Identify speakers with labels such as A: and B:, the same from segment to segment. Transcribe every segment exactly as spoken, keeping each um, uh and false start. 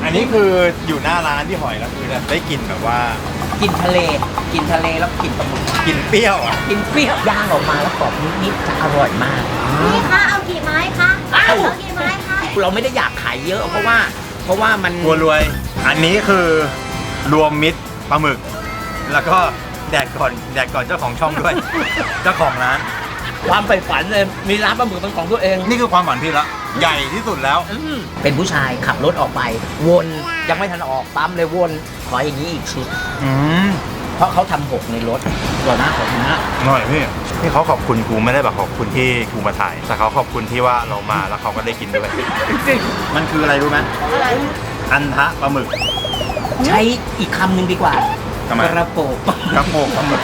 A: อันนี้คืออยู่หน้าร้านพี่หอยแล้วคือได้กลิ่นแบบว่า
B: กินทะเลกินทะเลแล้วกินปลาหมึก
A: กลิ่นเปรี้ยวอ่ะ
B: กินเปรี้ยวย่างออกมาแล้วกรอบนิดๆจะอร่อยมาก
C: พี่คะเอากี่ไม้คะเอากี่ไม้คะ
B: เราไม่ได้อยากขายเยอะเพราะว่าเพราะว่ามัน
A: บัวรวย อันนี้คือรวมมิตรปลาหมึก แล้วก็แดกก่อนแดกก่อนเจ้าของช่องด้วย เจ้าของร้าน
B: ความใฝ่ฝันเลยมีร้านปลาหมึกเป็นของตัวเอง
A: นี่คือความฝันพี่ละใหญ่ที่สุดแล้ว
B: อืมเป็นผู้ชายขับรถออกไป วนยังไม่ทันออกปั๊มเลยวนขออย่างนี้อีกชุด
A: อืม
B: เพราะเขาทำหกในรถตัวหน้าของหน้า
A: อร่อยพี่ที่เขาขอบคุณกูไม่ได้แบบขอบคุณที่กูมาถ่าย แต่เขาขอบคุณที่ว่าเรามาแล้วเขาก็ได้กินด้วย
B: จริง
A: มันคืออะไรรู้ไหม
C: อะไร
A: อันทะปลาหมึก
B: ใช้อีกคำหนึ่งดีกว่า
A: ทำไม
B: กระโปง
A: กระโปงปลาหมึก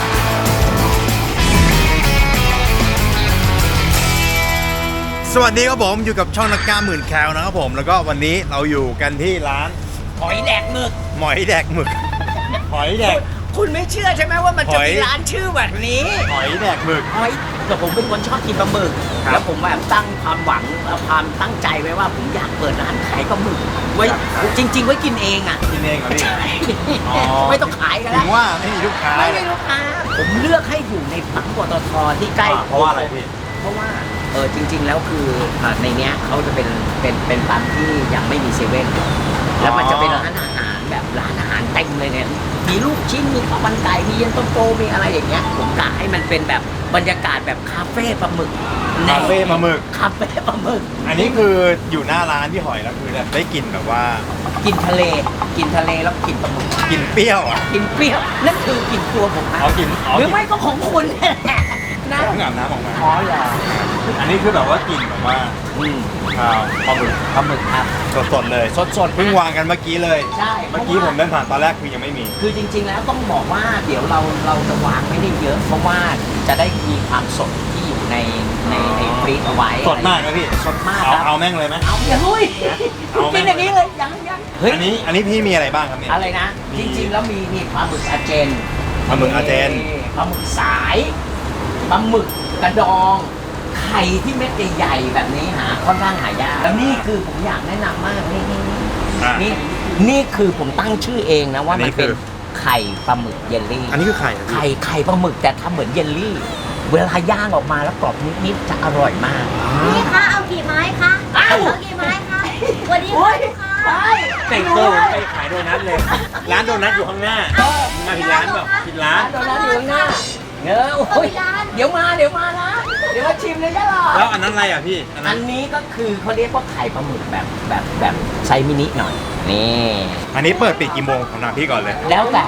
A: สวัสดีครับผมอยู่กับช่องนักกล้าหมื่นแคลนะครับผมแล้วก็วันนี้เราอยู่กันที่ร้าน
B: หอยแดกหมึก
A: หมอยแดกหมึก หอยแดก
B: คุณไม่เชื่อใช่ไหมว่ามันจะ
A: หอย
B: มีร้านชื่อแบบนี้
A: หอยแดกหมึก
B: หอยแต่ผมเป็นคนชอบกินปลาหมึก
A: ครับ
B: แล้วผมแบบตั้งความหวังความตั้งใจไว้ว่าผมอยากเปิดร้านขายปลาหมึกไว้
A: ครับ
B: จริง ๆ ไว้กินเองอ่ะ
A: กินเองเหรอพี่ อ๋อ
B: ไม่ต้องขายกัน
A: ถึ
B: แล้ว
A: งว่าไม่มีลูกค้า
B: ไม่มีลูกค้าผมเลือกให้อยู่ในปั๊มปตทที่ใกล้
A: อ่าเพราะว่าอะไรพี่
B: เพราะว่าเออจริง ๆ แล้วคืออ่าในเนี้ยเขาจะเป็นเป็นเป็นปั๊มที่ยังไม่มีเซเว่นแล้วมันจะเป็นร้านอาหารแบบร้านอาหารเต็มเลยเนี่ยมีลูกชิ้นมีข้าวมันไก่มีเย็นตาโฟมีอะไรอย่างเงี้ยผมกะให้มันเป็นแบบบรรยากาศแบบคาเฟ่ปลาหมึก
A: คาเฟ่ปลาหมึก
B: คาเฟ่ปลาหมึก
A: อันนี้คืออยู่หน้าร้านพี่หอยแล้วคือได้กลิ่นแบบว่า
B: กินทะเลกินทะเลแล้วกินปลาหมึก
A: กลิ่นเปรี้ยวอ่ะ
B: กินเปรี้ยวนั่นคือกินตัวผมนะ
A: เอากลิ่นเอา
B: ห
A: ก
B: รื
A: ลิ่
B: อน ไม่ก็ของคุณนะ
A: เพิ่งอาบน้ำออกมา
B: อ๋อเหรอ
A: อันนี้คือแบบว่ากลิ่นแบบว่า
B: อืม
A: อ่าปลาหมึก
B: ปลาหมึกครับ
A: สดๆเลย
B: สดสดๆ
A: เพิ่งวางกันเมื่อกี้เลย
B: ใช่
A: เมื่อกี้ผมเดินผ่านตอนแรกคือยังไม่มี
B: คือจริง ๆ แล้วต้องบอกว่าเดี๋ยวเราเราจะวางไม่ได้เยอะ เพราะว่าจะได้มีความสดที่อยู่ในในในฟรีซเอาไว้
A: สดมากนะพี่
B: สดมาก
A: เอา
B: ครับ
A: เอาแม่งเลยไหม
B: เอาอย่าลุย
A: เอาไหม
B: กินอย่างนี้เลยยังยังเฮ้ย
A: อันนี้อันนี้พี่มีอะไรบ้างครับเนี่ย
B: อะไรนะ
A: มี
B: จริง ๆ แล้วมีมีปลาหมึกอาเจน
A: ปลาหมึกอาเจน
B: ปลาหมึกสายปลาหมึกกระดองไข่ที่เม็ดใหญ่ๆแบบนี้หาค่อนข้างหายากแล้วนี่คือผมอยากแนะนำมากนี่นี่นี่
A: อ่ะ
B: นี่นี่คือผมตั้งชื่อเองนะว่า
A: อันนี้
B: มันเป็น
A: คือ
B: ไข่ปลาหมึกเยลลี่
A: อันนี้คือไข่เหรอพี่
B: ไข่ไข่ปลาหมึกแต่ทำเหมือนเยลลี่ เวลาย่างออกมาแล้วกรอบนิดๆจะอร่อยมาก
C: พี่คะเอากี่ไม้คะเอากี่ไม้คะวันนี้ค่ะลูกค้า
A: แต่งตัวไปขายโดนัทเลย ร้านโดนัทอยู่ข้างหน้ามาผิดร้านแบบผิดร้าน
B: โดนัทอยู่ข้างหน้าเออโอ้ยเดี๋ยวมาเดี๋ยวมานะเดี๋ยวมาชิมเลยก็หรอ
A: แล้วอันนั้นอะไรอ่ะพี่อัน
B: อั
A: นั้น
B: นนี้ก็คือเขาเรียกว่าไข่ปลาหมึกแบบแบบแบบไซส์มินิหน่อยนี่
A: อันนี้เปิดปิดกี่โมงผมถามพี่ก่อนเลย
B: แล้วแต่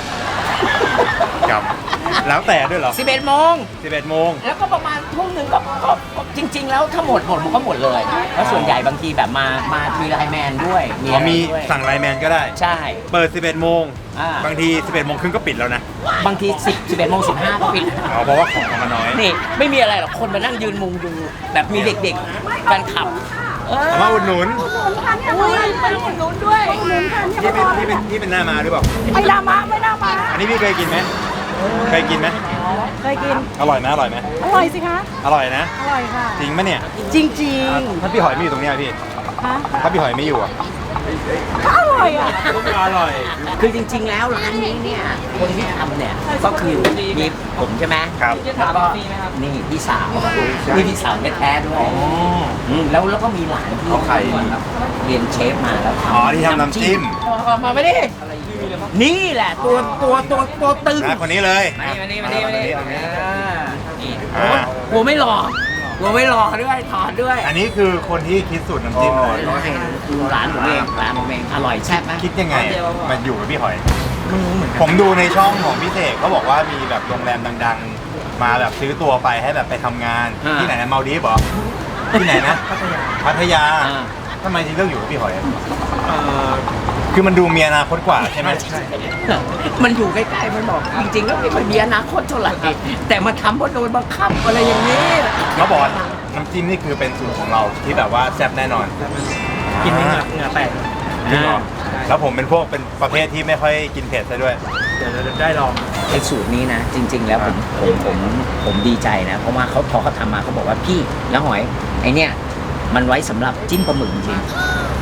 A: ครับแล้วแต่ด้วยเหรอ
B: สิบเอ็ดโมง
A: สิบเอ็ดโมง
B: แล้วก็ประมาณทุ่มหนึ่งก็ก็ก็จริง ๆ แล้วถ้าหมดหมดมันก็หมดเลยเพราะส่วนใหญ่บางทีแบบมามามีไลน์แมนด้วยมี
A: อ๋อ
B: อะไร
A: มี
B: ด้วย
A: สั่งไลน์แมนก็ได้
B: ใช่
A: เปิดสิบเอ็ดโมง
B: อ่า
A: บางทีสิบเอ็ดโมงครึ่งก็ปิดแล้วนะ
B: บางทีสิบสิบเอ็ดโมงสิบห้าก็ปิด
A: อ๋อเพราะว่าของมันน้อย
B: นี่ไม่มีอะไรหรอกคนมานั่งยืนมุงดูแบบมีเด็กๆแฟนคลับเออ
A: เอามาอุดหนุน
B: อุ้ยมาอุดหนุนด้วย
A: พี่เป็นพี่เป็นพี่เป็นหน้ามาหรือเปล่า
C: ไม่น่ามาไม่น่ามา
A: อันนี้พี่เคยกินไหมเคยกินไหม
C: เคยกิน
A: อร่อยไหมอร่อยไหม
C: อร่อยสิคะ
A: อร่อยนะ
C: อร่อยค่ะ
A: จริงปะเนี่ย
C: จริงจริง
A: ถ้าพี่หอยไม่อยู่ตรงเนี้ยพี่
C: ฮะ
A: ถ้าพี่หอยไม่อยู่อ่ะ
C: ก็อร่อยอ่ะ
A: ก็อร่อย
B: คือจริง ๆ แล้วร้านนี้เนี่ยคนที่ทำเนี่ยก็คือมีผมใช่ไหม
A: ครับ
B: แล้วก็นี่พี่สาวนี่พี่สาวแท้ๆด้วย
A: อ๋อ
B: มแล้วแล้วก็มีหลานที่
A: เอาไข่
B: เรียนเชฟมาแล้วทำ
A: อ๋อที่ทำน้ำจิ้ม
B: มาไม่ได้นี่แหละตัวตัวตัวตัวตึง
A: นะคนนี้เลย
B: มานี่มานี่มานี่มานี่
A: อ่า
B: นี่
A: อ่า
B: กลัวไม่หล่อกลัวไม่หล่อด้วยถอดด้วย
A: อันนี้คือคนที่คิดสูตรน้ำจิ้มเลย
B: ร้านผมเองร้านผมเองอร่อยแซ่บไหม
A: คิดยังไงมาอยู่กับพี่หอย
B: ไม่รู้เหมือนกัน
A: ผมดูในช่องของพี่เสกเขาบอกว่ามีแบบโรงแรมดังๆ มาแบบซื้อตัวไปให้แบบไปทำงาน ที่ไหนนะมาลดีฟเหรอที่ไหนนะ พัทยา
B: อ่า
A: ทำไมถึงเลือกอยู่กับพี่หอยอะคือมันดูมีอนาคตกว่าใช่ไหม
B: มันอยู่ใกล้ๆมันบอกจริงๆแล้วไม่ค่อยมีอนาคตเท่าไหร่แต่มาทำเพราะโดนบังคับอะไรอย่างนี้
A: เขาบอกว่าน้ำจิ้มนี่คือเป็นสูตรของเราที่แบบว่าแซ่บแน่นอน
B: กินเหงื่อเหงื่อแตก
A: จริงเหรอแล้วผมเป็นพวกเป็นประเภทที่ไม่ค่อยกินเผ็ดซะด้วย
B: เดี๋ยวเราได้ลองไอ้สูตรนี้นะ จริง ๆ แล้วผมผมผมผมดีใจนะ เพราะว่าเขาพอเขาทำมาเขาบอกว่าพี่แล้วหอยไอเนี่ยมันไว้สำหรับจิ้มปลาหมึกจริง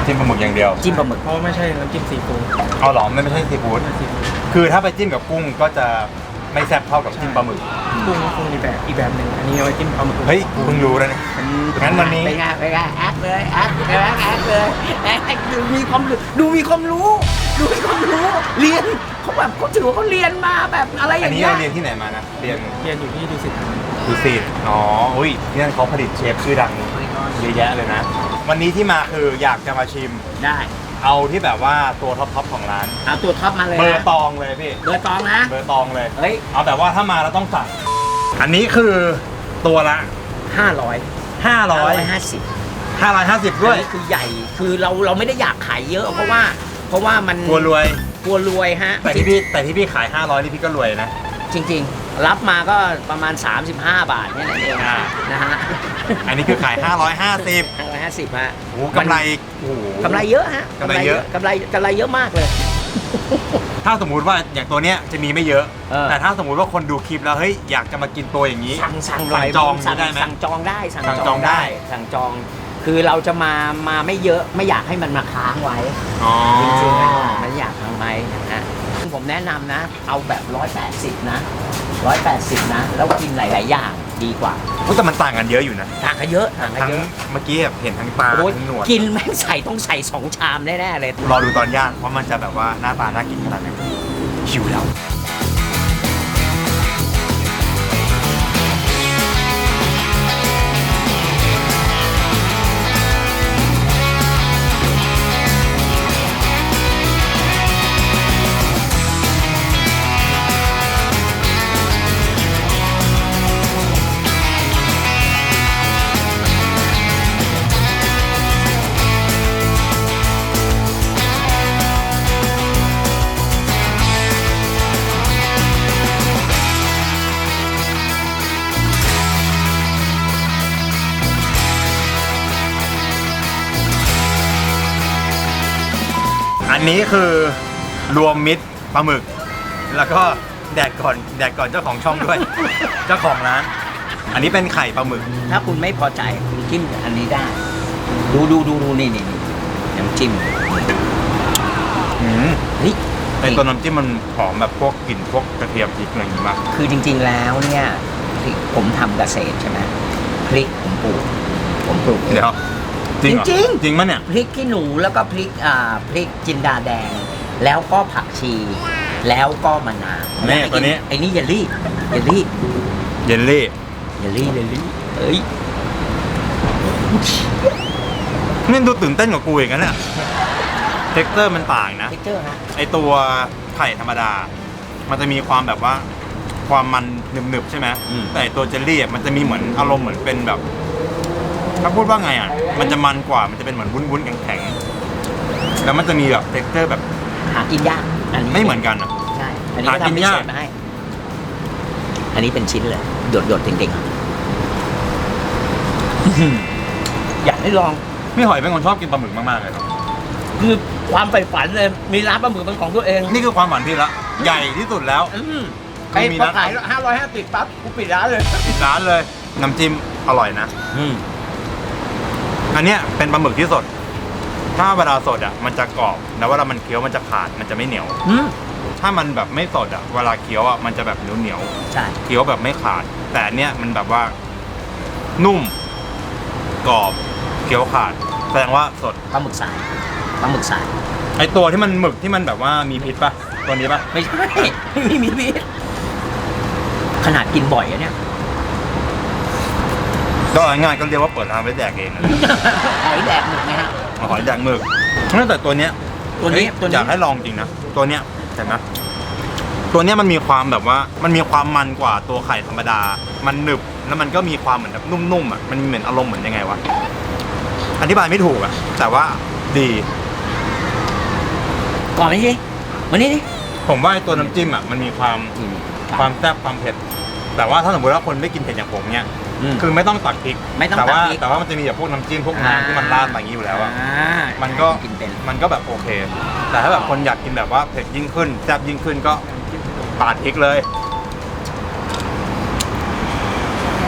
A: จิ้มปลาหมึกอย่างเดียว
B: จิ้มปลาหมึก
D: เพราะไม่ใช่น้ำจิ้มซีฟู้ด
A: เอาหรอไม่ไม่ใช่ซีฟู้ดคือถ้าไปจิ้มกับกุ้งก็จะไม่แซ่บเท่ากับจิ้มปลาหมึก
D: กุ้งกุ้งอีกแบบอีกแบบหนึ่งอันนี้เอาไว้จิ้มปลาหมึก
A: เฮ้ยเพิ่งรู้แล้วเนี่ยงั้นวันนี้
B: ไปไงไปไงแอคเลยแอคแอคแอคเลยแอคดูมีความรู้ดูมีความรู้ดูมีความรู้เรียนเขาแบบเขาถือว่าเขาเรียนมาแบบอะไรอ
A: อัน
B: ย่าง
A: นี้
B: เงี้ย
A: เราเรียนที่ไหนมานะเรียน
D: เรียนอยู่ที่ดูสิตธานี
A: ดูสิตอ๋ออุ้ยที่นั่นเขาผลิตเชฟชื่อดังเยอะแยะเลยนะ วันนี้ที่มาคืออยากจะมาชิม
B: ได้
A: เอาที่แบบว่าตัวท็อปๆของร้าน
B: เอาตัวท็อปมาเลย
A: เบอร์
B: นะ
A: ตองเลยพี่
B: เบอร์ตองนะ
A: เบอร์ตองเลย
B: เฮ้ย
A: เอาแบบว่าถ้ามาเราต้องสั่งอันนี้คือตัวละ
B: ห้าร้อย
A: ห้าร้อย
B: ห้าสิบ
A: ห้าร้อยห้าสิบด้วย
B: อันนี้คือใหญ่คือเราเราไม่ได้อยากขายเยอะ เพราะว่าเพราะว่ามัน
A: กลัวรวย
B: กลัวรวยฮะ
A: แต่ที่พี่แต่ที่พี่ขายห้าร้อยนี่พี่ก็รวยนะ
B: จริงๆ รับมาก็ประมาณ สามสิบห้า บาทเนี่ยนั่นเอง
A: อ่า
B: นะฮะ
A: อันนี้คือขายห้าร้อยห้าสิบ
B: ห้าร้อยห้าสิบฮะ
A: โอ้โหกำไรโอ้โห
B: กำไรเยอะฮะ
A: กำไรเยอะ
B: กำไรกำไรเยอะมากเลย
A: ถ้าสมมุติว่าอย่างตัวเนี้ยจะมีไม่เยอะ
B: เออ
A: แต่ถ้าสมมุติว่าคนดูคลิปแล้วเฮ้ยอยากจะมากินตัวอย่างนี้
B: สั่งสั่ง
A: สั่งจอง
B: สั่ง
A: ได้ไหม
B: สั่งจองได้สั่ง
A: สั่ง
B: จ
A: จ
B: อ
A: อง ง
B: ได้
A: ได้
B: สั่งจอง คือเราจะมามาไม่เยอะไม่อยากให้มันมาค้างไว้
A: อ๋อ
B: จริงๆอะมันอยากทำไมนะฮะผมแนะนำนะ เอาแบบร้อยแปดสิบนะร้อยแปดสิบนะ แล้วกินหลาย ๆ อย่างดีกว่า
A: อุ๊ยแต่มันต่างกันเยอะอยู่นะ
B: ต่างกันเยอะต่างกัน
A: ทั้ง
B: เยอะ
A: เมื่อกี้แบบเห็นทั้งตา
B: โอ้ย
A: ทั้งหนวด
B: กินแม่งใส่ต้องใส่สองชามแน่ ๆ เลย
A: รอดูตอนย่างว่ามันจะแบบว่าหน้าตาน่ากินขนาดไหนหิวแล้วอันนี้คือรวมมิตรปลาหมึก แล้วก็แดกก่อนแดกก่อนเจ้าของช่องด้วย เจ้าของร้านอันนี้เป็นไข่ปลาหมึก
B: ถ้าคุณไม่พอใจคุณจิ้มอันนี้ได้ ดูดูดูดูนี่นี่นี่น้ำจิ้ม
A: อืม
B: เฮ้ย
A: ไอตัวน้ำจิ้มมันหอมแบบพวกกลิ่นพวกกระเทียมพริกอะไรอย่างงี้มาก
B: คือจริง ๆ แล้วเนี่ยพริกผมทำเกษตรใช่ไหมพริกผมปลูกผมปลูกเอง
A: เดี๋ยวจริงเหรอ
B: จริงๆ
A: จริงมั้ยเนี่ย
B: พริกขี้หนูแล้วก็พริกอ่าพริกจินดาแดง แล้วก็ผักชี แล้วก็มะนาว
A: นี่ตัวนี้
B: ไอ้นี่เยลลี่เยลลี่
A: เยลลี่
B: เยลลี่เยลลี่เอ้ย
A: นี่ดูตื่นเต้นกว่ากูอีกนะเนี่ยเท็กเจอร์มันต่างนะ
B: เทคเจอร์ฮะ
A: ไอตัวไข่ธรรมดา มันจะมีความแบบว่าความมันหนึบๆใช่ไหมแต่ไอ้ตัวเจลลี่อะมันจะมีเหมือนอารมณ์เหมือนเป็นแบบ ถ้าพูดว่าไงอ่ะ มันจะมันกว่า มันจะเป็นเหมือนวุ้นๆแข็งๆ แล้วมันจะมีแบบเท็กเจอร์แบบ
B: หากินยากอันนี้
A: ไม่เหมือนกันอ่ะ
B: ใช่อันนี้ก็
A: หากิน
B: ทำพิ
A: ยาก
B: เศษมาให้ อันนี้เป็นชิ้นเลยหยดหยดๆจริงๆอยากให้ลอง
A: พี่หอยเป็นคนชอบกินปลาหมึกมากๆเลยครับ
B: คือความใฝ่ฝันเลยมีร้านปลาหมึกเป็นของตัวเอง
A: นี่คือความหวานพี่ละใหญ่ที่สุดแล้ว
B: อืม
A: คื
B: ไอ้
A: อมี
B: พอ
A: ร้าน
B: ขายห้าร้อยห้าสิบปั๊บกูปิดร้านเลย
A: ปิดร้านเลย น้ำจิ้มอร่อยนะ
B: อืม
A: อันเนี้ยเป็นปลาหมึกที่สด ถ้าเวลาสดอ่ะมันจะกรอบแล้วเวลามันเคี้ยวมันจะขาดมันจะไม่เหนียว
B: อืม
A: ถ้ามันแบบไม่สดอ่ะเวลาเคี้ยวอ่ะมันจะแบบเหนียวเหนียว
B: ใช่
A: ๆเคี้ยวแบบไม่ขาด แต่อันเนี้ยมันแบบว่า นุ่มกรอบเคี้ยวขาด แสดงว่าสด
B: ปลาหมึกสายปลาหมึกสาย
A: ไอตัวที่มันหมึกที่มันแบบว่ามีพิษป่ะตัวนี้ป่ะ
B: ไม่ใช่ ไม่มีพิษขนาดกินบ่อยอะเนี่ย
A: ก็ง่ายๆก็เรียกว่าเปิดร้านไว้แดกเองนะ
B: หอยแดกหมึกไงฮะ
A: เอาหอยแดกหมึกแต่ตัวเนี้ย
B: ตัวนี้
A: เฮ้ย
B: ตัวนี้
A: อยากให้ลองจริงนะตัวเนี้ยเห็นไหมตัวเนี้ยมันมีความแบบว่ามันมีความมันกว่าตัวไข่ธรรมดา มันหนึบแล้วมันก็มีความเหมือนแบบนุ่มๆอ่ะมันเหมือนอารมณ์เหมือนยังไงวะอธิบายไม่ถูกอ่ะแต่ว่าดี
B: ก่อนไหมสิวันนี้ดิ
A: ผมว่าไอ้ตัวน้ำจิ้มอ่ะมันมีความความแซ่บความเผ็ดแต่ว่าถ้าสมมติว่าคนไม่กินเผ็ดอย่างผมเนี้ย
B: อืม
A: คือไม่ต้องตักพริก
B: ไม่ต้อง
A: แต่ว่า
B: ตักพริก
A: แต่ว่ามันจะมีแบบพวกน้ำจิ้มพวกน้ำที่มันราดมาอย่างนี้อยู่แล้วอ่ะ
B: อ่า
A: มันก็
B: กินเป็น
A: มันก็แบบโอเค แต่ถ้าแบบคนอยากกินแบบว่าเผ็ดยิ่งขึ้นแซ่บยิ่งขึ้นก็ปาดพริกเลย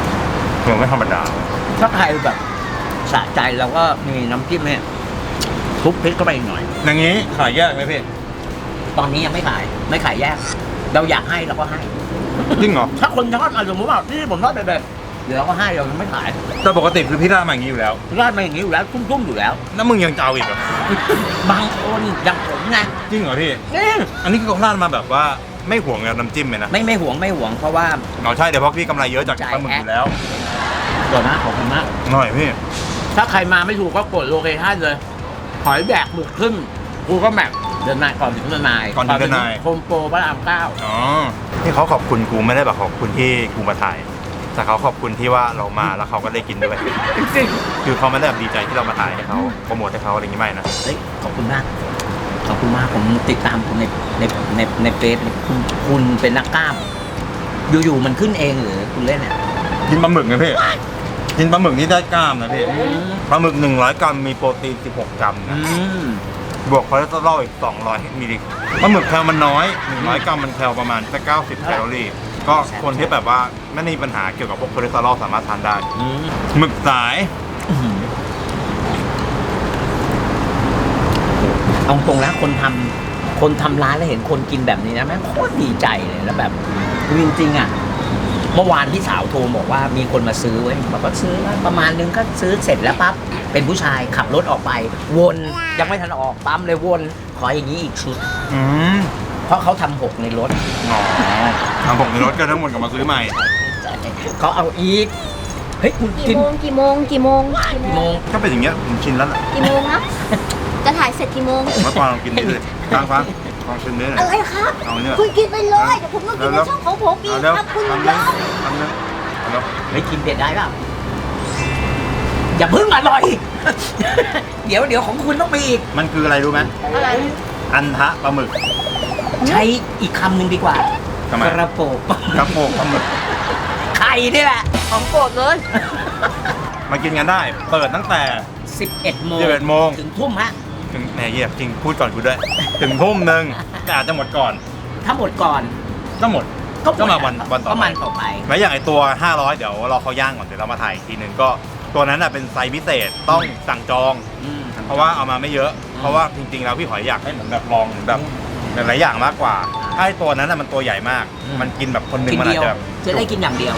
A: มันไม่ธรรมดา
B: ถ้าใครแบบสะใจเราก็มีน้ำจิ้มเนี่ยทุบพริกเข้าไปอีกหน่อย
A: อย่างนี้ขายแยกไหมพี่
B: ตอนนี้ยังไม่ขายไม่ขายแยก เราอยากให้เราก็ให้
A: จริงเหรอ
B: ถ้าคนชอบอ่ะสมมติว่าที่ผมชอบแบบเดี๋ยวเราก็ให้เรายังไม่ขาย
A: แต่ปกติคือพี่ราดมาอย่างนี้อยู่แล้ว
B: ราดมาอย่างนี้อยู่แล้วทุ่มๆอยู่แล้ว
A: แล้วมึงยังจะเอาอีกเหรอบ
B: างคนอย่างผมไง
A: จริงเหรอพี่
B: นี่
A: อันนี้คือเขาราดมาแบบว่าไม่ห่วงกับน้ำจิ้มเลยนะ
B: ไม่ไม่หวงไม่หวงเพราะว่า
A: เราใช่เดี๋ยวเพราะพี่กำไรเยอะจากปลาหมึกอยู่แล้ว
B: ก่อนนะขอบคุณมาก
A: หน่อยพี่
B: ถ้าใครมาไม่ถูกก็กดโลเคชั่นเลย หอยแบกหมึกขึ้นกูก็แมปเดินนายก่อนถึงเดินนาย
A: ก่อนถึงเดินนาย
B: โฮมโปรพระรามเก้า
A: อ๋อที่เขาขอบคุณกูไม่ได้แบบขอบคุณที่กูมาถ่าย แต่เขาขอบคุณที่ว่าเรามาแล้วเขาก็ได้กินด้วย
B: จริง
A: คือเขาไม่ได้แบบดีใจที่เรามาถ่ายให้เขาโปรโมทให้เขาอะไรอย่างงี้ไม่นะ
B: ๆเฮ้ยขอบคุณมาก ขอบคุณมากผมติดตามคุณในในในในเฟซคุณคุณเป็นนักกล้าม อยู่ๆมันขึ้นเองหรือคุณเล่นเนี่ย
A: กินปลาหมึกไงพี่ กินปลาหมึกนี่ได้กล้ามนะพี่ ปลาหมึกหนึ่งร้อยกรัมมีโปรตีนสิบหกกรัม
B: อื
A: นะ
B: ม
A: บวกคอเลสเตอรอลอีกสองร้อยมิลลิกรัมปลาหมึกแคลมันน้อยหนึ่งร้อยกรัมมันแคลประมาณแค่เก้าสิบแคลอรี่ ก็คนที่แบบว่าไม่มีปัญหาเกี่ยวกับพวกคอเลสเตอรอลสามารถทานได้
B: อืม
A: หมึกสาย
B: เอาตรงนะคนทำคนทำร้านแล้วเห็นคนกินแบบนี้นะแม่งโคตรดีใจเลยแล้วแบบจริงๆอ่ะเมื่อวานพี่สาวโทรบอกว่ามีคนมาซื้อไว้บอกว่าซื้อประมาณนึงก็ซื้อเสร็จแล้วปั๊บเป็นผู้ชายขับรถออกไปวนยังไม่ทันออกปั๊มเลยวนขออย่างนี้อีกชุด
A: อืม
B: เพราะเขาทำหกในรถ
A: อ๋อทำผมในรถก็ทั้งหมดกลับมาซื้อใหม่
B: เขาเอาอีกเฮ้ยคุณกิ
C: กี่
B: น
C: โมงกี่โมงกี่โมง
B: กี่โมง
A: ก็เป็นอย่างเงี้ยผมชินแล้วแหละ
C: กี่โมงนะจะถ่ายเสร็จกี่โมง
A: เมื่อก่อนลองกินนี่เลยฟังฟังลองชิมนี่หน่
C: อะ
A: อย
C: ไรครับ
A: เอาเนี่ย
C: คุณกินไปเลยเดี๋ยวผมต้องกินใน
A: แล้ว
C: ช่องของผมอีก
A: เอาเร็ว
C: ครับคุณ
A: ทำ
C: ย
A: เร็ว
C: อม
A: ทำเร็วเอาเร็ว
B: เฮ้ยกินเผ็ดได้เปล่าอย่าเพิ่งอร่อย เดี๋ยวเดี๋ยวของคุณต้องมีอีก
A: มันคืออะไรรู้ไหม
C: อะไร
A: อันทะปลาหมึก
B: ใช้อีกคำหนึ่งดีกว่า
A: ทำไม
B: กระโปง
A: กระโปงปลาหมึก
B: ไข่นี่แหละ
C: ของโปรดเลย
A: มากินกันได้ เปิดตั้งแต่
B: สิบเอ็ดโมง
A: สิบเอ็ดโมง
B: ถึงทุ่มฮะ
A: ถึงแหนเยียบจริงพูดก่อนกูด้วย ถึงทุ่มหนึ่งแต่อาจจะหมดก่อน
B: ถ้าหมดก่อน
A: ก็หมด ก็มาวันวันต่อไป
B: ก็มันต่อไป
A: แล้วอย่างไอตัว ห้าร้อย เดี๋ยวรอเขาย่างก่อนเดี๋ยวเรามาถ่ายอีกทีหนึ่งก็ตัวนั้นน่ะเป็นไซส์พิเศษต้องสั่งจอง
B: อืม
A: เพราะว่าเอามาไม่เยอะ เพราะว่าจริงๆแล้วพี่หอยอยากให้เหมือนแบบลองเหมือนแบบหลายๆอย่างมากกว่าถ้าไอตัวนั้นน่ะมันตัวใหญ่มาก
B: อืม
A: มันกินแบบคนหนึง
B: กิน
A: มันอา
B: เดี
A: จ
B: ยว
A: จะแบบ
B: จะได้กินอย่างเดียว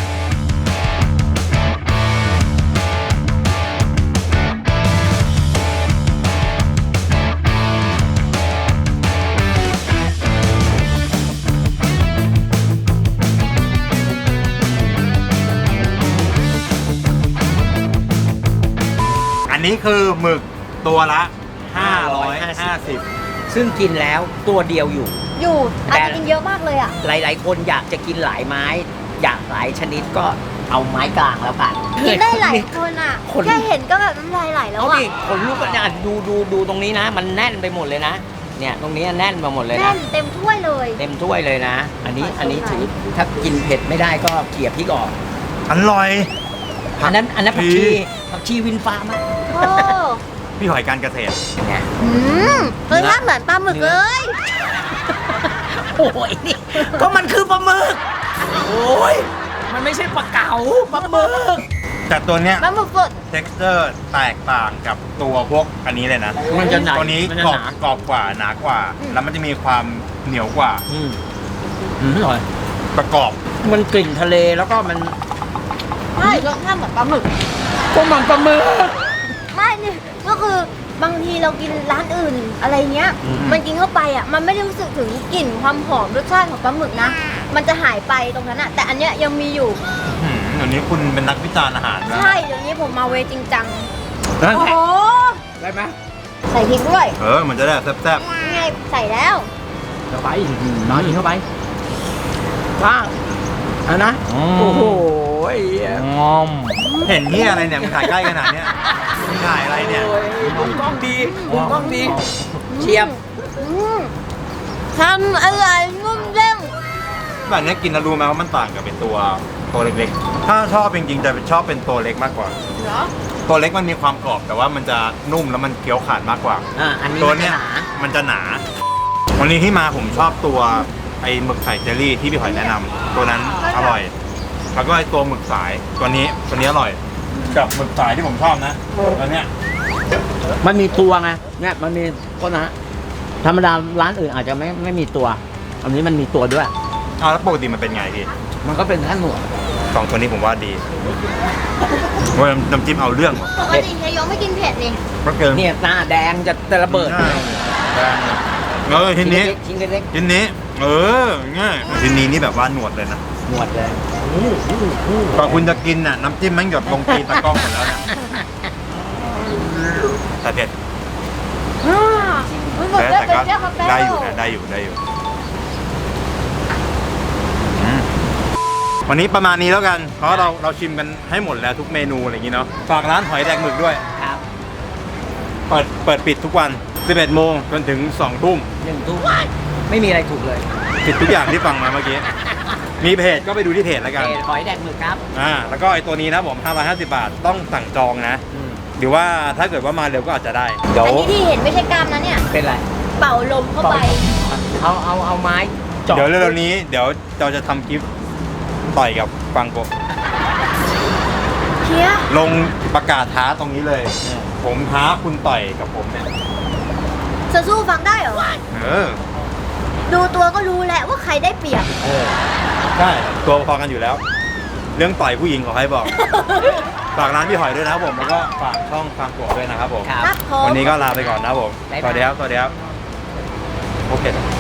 A: อันนี้คือหมึกตัวละ ห้าร้อยห้าสิบ
B: ซึ่งกินแล้วตัวเดียวอยู่
C: อยู่อาจ
B: แต่
C: จะกินเยอะมากเลยอ่ะ
B: หลาย ๆ คนอยากจะกินหลายไม้ อยากหลายชนิดก็เอาไม้กลางแล้วกัน
C: กินได้หลายคนอ่ะ
B: คน
C: แค่เห็นก็แบบน้ำลายไหลแล้ว
B: เอา
C: อ่ะ
B: ดิคนลูกก็เนี่ยดูดูดูตรงนี้นะ มันแน่นไปหมดเลยนะ เนี่ยตรงนี้แน่นไปหมดเลย
C: แน่
B: นะ
C: นเต็มถ้วยเลย
B: เต็มถ้วยเลยนะ อันนี้อันนี้ถือถ้ากินเผ็ดไม่ได้ก็เกลี่ยพริกออก
A: อร่อย
B: อันนั้นอันนั้นผัก
A: ดี
B: ชีผักชีวินฟ้ามาก
C: โอ้
A: พี่หอยการเกษตร
B: เนี่ย
C: อืมรสชาติเหมือนปลาหมึกเลย
B: โอ้ยนี่ก็มันคือปลาหมึกโอ้ยมันไม่ใช่ปลาเก๋าปลาหมึก
A: แต่ตัวเนี้ย
C: ปลาหมึกสด
A: texture แตกต่างกับตัวพวกอันนี้เลยนะ
B: มันจะหนา
A: ตัวนี้
B: มันจะ
A: กรอ
B: ห
A: บ
B: นาก
A: รอบกว่าหนากว่า
C: อืม
A: แล้วมันจะมีความเหนียวกว่า
B: อืมอืมอร่อย
A: ประกอบ
B: มันกลิ่นทะเลแล้วก็มัน
C: ใช่รสชาติเหมือนปลาหมึก
B: ก็มันปลาหมึก
C: ไม่นี่ก็คือบางทีเรากินร้านอื่นอะไรเงี้ย
B: อืม
C: มันกินเข้าไปอ่ะ มันไม่ได้รู้สึกถึงกลิ่นความหอมรสชาติของปลาหมึกนะ มันจะหายไปตรงนั้นอ่ะ แต่อันเนี้ยยังมีอยู่
A: อืมเดี๋ยวนี้คุณเป็นนักวิจารณ์อาหารนะ
C: ใช่ เดี๋ยวนี้ผมมาเวจริงจัง
B: นั่น
C: โอ้
B: แหละ
C: โห
B: ได้ไหม
C: ใส่พริกด้วย
A: เออ มันจะได้แซ่บ
C: นี่ไงใส่แล้ว
B: เข้าไปน้อยอีกเข้าไปว่างเอันนะ
A: ๆ
B: โอ้โห
A: งอม เห็นที่อะไรเนี่ยมึงถ่ายใกล้ขนาดเนี้ยมึงถ่ายอะไรเนี่ย
B: โอ้ยมุมกล้องดีมุมกล้องดีเชียบ
C: อืมทำอะไรนุ่มเด้ง
A: แบบเนี้ยกินแล้วรู้ไหมว่ามันต่างกับเป็นตัวตัวเล็กๆ ถ้าชอบจริงๆจะชอบเป็นตัวเล็กมากกว่า
C: เหรอ
A: ตัวเล็กมันมีความกรอบแต่ว่ามันจะนุ่มแล้วมันเคี้ยวขาดมากกว่า
B: อ่าอันนี้
A: ตัว
B: มันจะ
A: เนี้ย
B: หนา
A: มันจะหนา วันนี้ที่มาผมชอบตัวไอ้หมึกไข่เจลลี่ที่พี่หอยแนะนำตัวนั้นอร่อย แล้วก็ไอ้ตัวหมึกสายตัวนี้ตัวนี้อร่อย กับหมึกสายที่ผมชอบนะตัวเนี้ย
B: มันมีตัวไงเนี่ยมันมีก็นะธรรมดาร้านอื่นอาจจะไม่ไม่มีตัว อันนี้มันมีตัวด้วย
A: เอาแล้วปกติมันเป็นไงพี่
B: มันก็เป็นแค่หนวด
A: สองตัวนี้ผมว่าดีว่าน้ำจิ้มเอาเรื่องว่ะ
C: ปกติเฮียยงไม่กินเผ็ดนี่
A: ก็เกิน
B: เนี่ยหน้าแดงจะจะระเบิด
A: เออทีนี้
B: ชิ้นเล็ก
A: ทีนี้ เออง่ายทีนี้นี่แบบว่าหนวดเลยนะ
B: ๆหนวดเลย
A: ก่อนคุณจะกินน่ะน้ำจิ้มมันหยดลงตีนตะกร้องหมดแล้วนะแต่เผ็ด
C: อ่ามันหมด
A: แต่
C: แล้ว
A: แต่
C: เป็น
A: ก็
C: เจ้าคาเฟ่
A: ได้อยู่นะได้อยู่ได้อยู่อืมวันนี้ประมาณนี้แล้วกัน เพราะเราเราชิมกันให้หมดแล้วทุกเมนูอะไรอย่างงี้เนาะฝากร้านหอยแดงหมึกด้วย
B: ครับ
A: เปิดเปิดปิดทุกวันสิบเอ็ดโมงจนถึงสองทุ่ม
B: หนึ่งทุ่มไม่มีอะไรถูกเลย
A: ผิดทุกอย่างที่ฟังมาเมื่อกี้ มีเพจก็ไปดูที่เพจแล้วกัน
B: เอ่อหอยแดงหมึกครับ
A: อ่าแล้วก็ไอตัวนี้นะผมห้าร้อยห้าสิบบาทต้องสั่งจองนะ
B: อืม
A: หรือว่าถ้าเกิดว่ามาเร็วก็อาจจะได้เดี๋ยว
C: อันนี้ที่เห็นไม่ใช่กล้ามนะเนี่ย
B: เป็นไร
C: เป่าลมเข้าไป
B: เอาเอาเอาไม้เจาะ
A: เดี๋ยวเร็วๆนี้เดี๋ยวเราจะทำคลิปต่อยกับฟังโกะ
C: เฮีย
A: ลงประกาศท้าตรงนี้เลย ผมท้าคุณต่อยกับผมเนี่ย
C: จะสู้ฟังได้เหรอ
A: เออ
C: ดูตัวก็รู้แหละว่าใครได้เปรียบ
B: เออ
A: ใช่ตัวพอกันอยู่แล้ว เรื่องต่อยผู้หญิงขอให้บอก ฝากร้านพี่หอยด้วยนะครับผมแล้วก็ฝากช่องฟังโกะด้วยนะครับผม
B: ครับ
C: ครับผม
A: วันนี้ก็ลาไปก่อนนะครับผม
B: บ๊าย
A: ส
B: บาย
A: วัสดีครับ สวัสดีครับ โอเค